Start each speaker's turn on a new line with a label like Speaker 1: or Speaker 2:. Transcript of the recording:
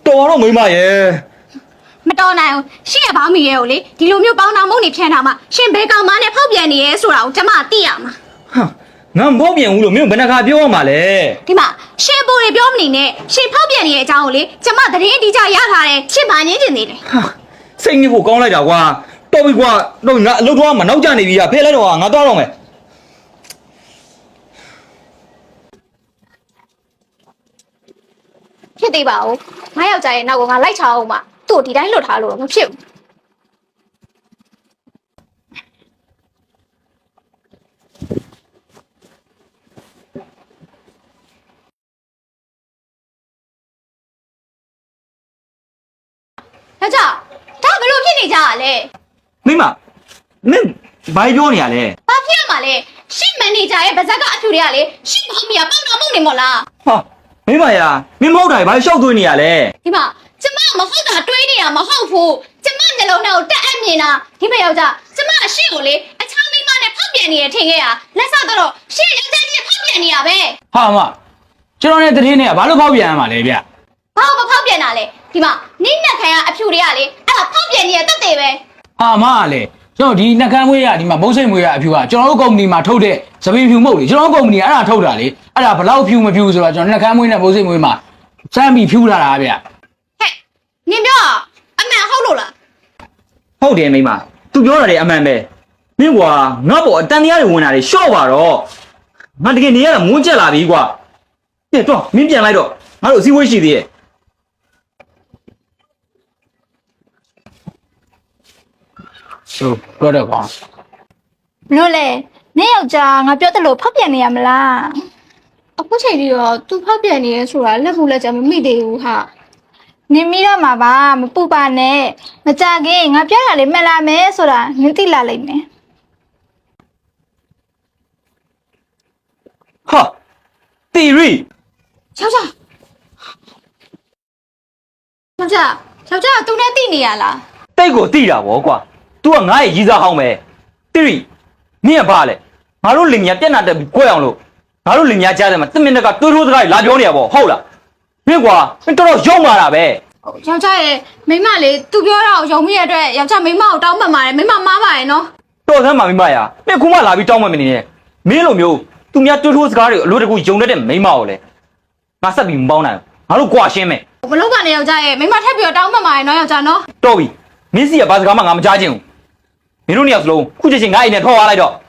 Speaker 1: တော်တော့မိမရဲ့
Speaker 2: မတော်နိုင်ဘူးရှင့်ရဲ့ဘောင်းမီရဲ့ကိုလေဒီလိုမျိုးပေါင်းတော်မုံနေဖြန်းထားမှရှင်ဘဲကောင်မနဲ့ဖောက်ပြန်နေရဲဆိုတာကိုကျမသိရမှာ
Speaker 1: ဟာငါမဟုတ်ပြန်ဘူးလို့မင်းဘယ်နှခါပြောရမှာလဲ
Speaker 2: ဒီမှာရှင်ပိုတွေပြောမနေနဲ့ရှင်ဖောက်ပြန်နေတဲ့အကြောင်းကိုလေကျမသတင်းအတိအကျရထားတယ်ရှင်ဘာငင်းကျင်နေလဲ
Speaker 1: ဟာစိတ်ညစ်ဖို့ကောင်းလိုက်တာကွာတော်ပြီကွာတော့ငါအလုပ်တော့မှနောက်ကျနေပြီဖဲလိုက်တော့ငါသွားတော့မယ်
Speaker 2: ဖြစ်သေးပါဦးငါယောက်ျားရဲ့နောက်ကငါလိုက်ချအောင်မှသူ့ဒီတိုင်းလွတ်ထားလို့တော့မဖြစ်ဘူးယောက်ျားဒါဘယ်လိုဖြစ်နေကြရလဲ
Speaker 1: မိမမင်းဘာပြောနေရလဲ
Speaker 2: ဘာဖြစ်ရမှာလဲရှင့်မန်နေဂျာရဲ့ဗဇက်ကအဖြူတွေကလေရှင့်ဘောင်းမီကပေါက်တော်မုံနေမို့လား
Speaker 1: ဟာမိမရာမင်းမဟုတ်တာဘာရှောက်သွင်းနေရလဲ
Speaker 2: ဒီမှာကျမမဟုတ်တာတွေးနေတာမဟုတ်ဘူးကျမနှလုံးထဲကိုတက်အပ်မြင်တာဒီမယောက်ျားကျမအရှိကိုလေအချောင်းမိမနဲ့ဖောက်ပြန်နေရထင်ခဲ့ရလက်ဆက်တော့ရှင့်ယောက်ျားကြီးဖောက်ပြန်နေရပဲ
Speaker 3: ဟာမကျွန်တော်နဲ့တရင်နဲ့ဘာလို့ဖောက်ပြန်ရမှာလဲဗျ
Speaker 2: ဘာလို့မဖောက်ပြန်တာလဲဒီမှာနိမ့်နှက်ခံရအဖြူတွေကလေအဲ့ဒါဖောက်ပြန်နေရတက်တယ်ပဲ
Speaker 3: ဟာမလေကျွန်တော်ဒီနှကန်းမွေးရဒီမှာဘုတ်စိတ်မွေးရအဖြူကကျွန်တော်တို့ကုမ္ပဏီမှာထုတ်တဲ့သပင်ဖြူမဟုတ်လေကျွန်တော်တို့ကုမ္ပဏီကအဲ့ဒါထုတ်တာလေအဲ့ဒါဘလောက်ဖြူမဖြူဆိုတော့ကျွန်တော်နှကန်းမွေးနဲ့ဘုတ်စိတ်မွေးမှာစမ်းပြီးဖြူလာတာဗျ
Speaker 2: ဟဲ့နင်ပြောအမှန်ဟုတ်လို့လား
Speaker 1: ဟုတ်တယ်မိမ तू ပြောတာလေအမှန်ပဲမင်းကွာငါ့ပေါ်အတန်တရားတွေဝင်တာတွေရှော့ပါတော့ငါတကယ်နေရတာမွန်းကျက်လာပြီကွာကဲတော့မင်းပြန်လိုက်တော့ငါတို့အစည်းအဝေးရှိသေးရဲ့
Speaker 3: ဟုတ်ပြောတော့ကွာ
Speaker 2: ဘလို့လဲနင်ယောက်ျားငါပြောတယ်လို့ဖောက်ပြန်နေရမလားအခုချိန်ကြီးတော့ तू ဖောက်ပြန်နေရဲဆိုတာလက်ဘူးလက်ကြမမိသေးဘူးဟာနင်မိတော့မှာပါမပူပါနဲ့မကြခင်ငါပြောတာလေးမှတ်လာမယ်ဆိုတာနင်သိလာလိမ့်မယ်
Speaker 1: ဟာတီရီ
Speaker 2: ယောက်ျားသူနဲ့သိနေရလား
Speaker 1: တိတ်ကိုတိတာဗောကွာ तू ကငါ့ရဲ့ရီးစားဟောင်းပဲတီရီမင်းကဘာလဲငါတို့လင်မြပြက်နာတက်ပြီးကြွယ်အောင်လို့ငါတို့လင်မြကြားတယ်မှာတစ်မိနစ်ကတိုးတိုးစကားလာပြောနေရဗောဟုတ်လားမင်းကွာမင်းတော်တော်ရုံမာတာပဲ
Speaker 2: ယောက်ျားရဲ့မိမလေး तू ပြောတာကိုယုံမိရတဲ့အတွက်ယောက်ျားမိမကိုတောင်းပန်ပါတယ်မိမမားပါရဲ့နော်
Speaker 1: တော်ဆန်းပါမိမရမင်းခုမှလာပြီးတောင်းပန်မနေနဲ့မင်းလိုမျိုးသူများတိုးတိုးစကားတွေအလိုတကူယုံတတ်တဲ့မိမကိုလေငါဆက်ပြီးမပေါင်းနိုင်ဘူးငါတို့ကြွာရှင်းမယ်
Speaker 2: ဘလို့ကနေယောက်ျားရဲ့မိမထက်ပြီးတောင်းပန်ပါရဲ့နော်ယောက်ျားနော်
Speaker 1: တော်ပြီမင်းစီကဘာစကားမှငါမကြားချင်ဘူးမင်းတို့နှစ်ယောက်စလုံးခုချက်ချင်းငါအိမ်နဲ့ထောက်သွားလိုက်တော့